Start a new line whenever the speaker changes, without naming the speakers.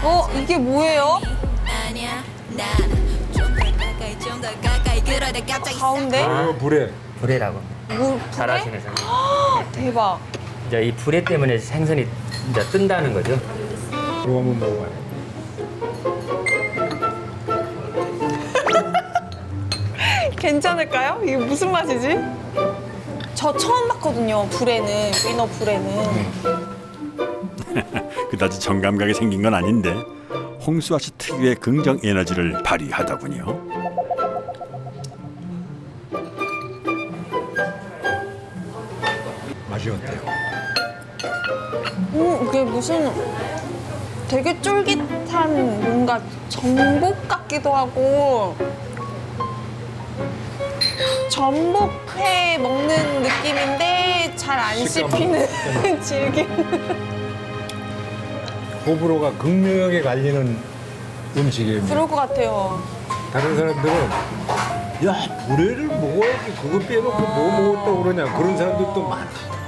이게 뭐예요? 가운데?
불에.
불에라고.
물,
잘하시네, 선생님.
대박.
이제 이 불에 때문에 생선이 이제 뜬다는 거죠.
이거 한번 먹어봐요.
괜찮을까요? 이게 무슨 맛이지? 저 처음 봤거든요, 불에는. 위너 불에는.
그다지 정감각이 생긴 건 아닌데 홍수아 씨 특유의 긍정 에너지를 발휘하더군요.
맛이 어때요?
이게 무슨 되게 쫄깃한 뭔가 전복 같기도 하고 전복회 먹는 느낌인데 잘 안 씹히는 질긴.
호불호가 극명하게 갈리는 음식이에요.
그럴 것 같아요.
다른 사람들은 야 불에를 먹어야지 그거 빼놓고 뭐 먹었다고 그러냐 그런 사람들도 많아.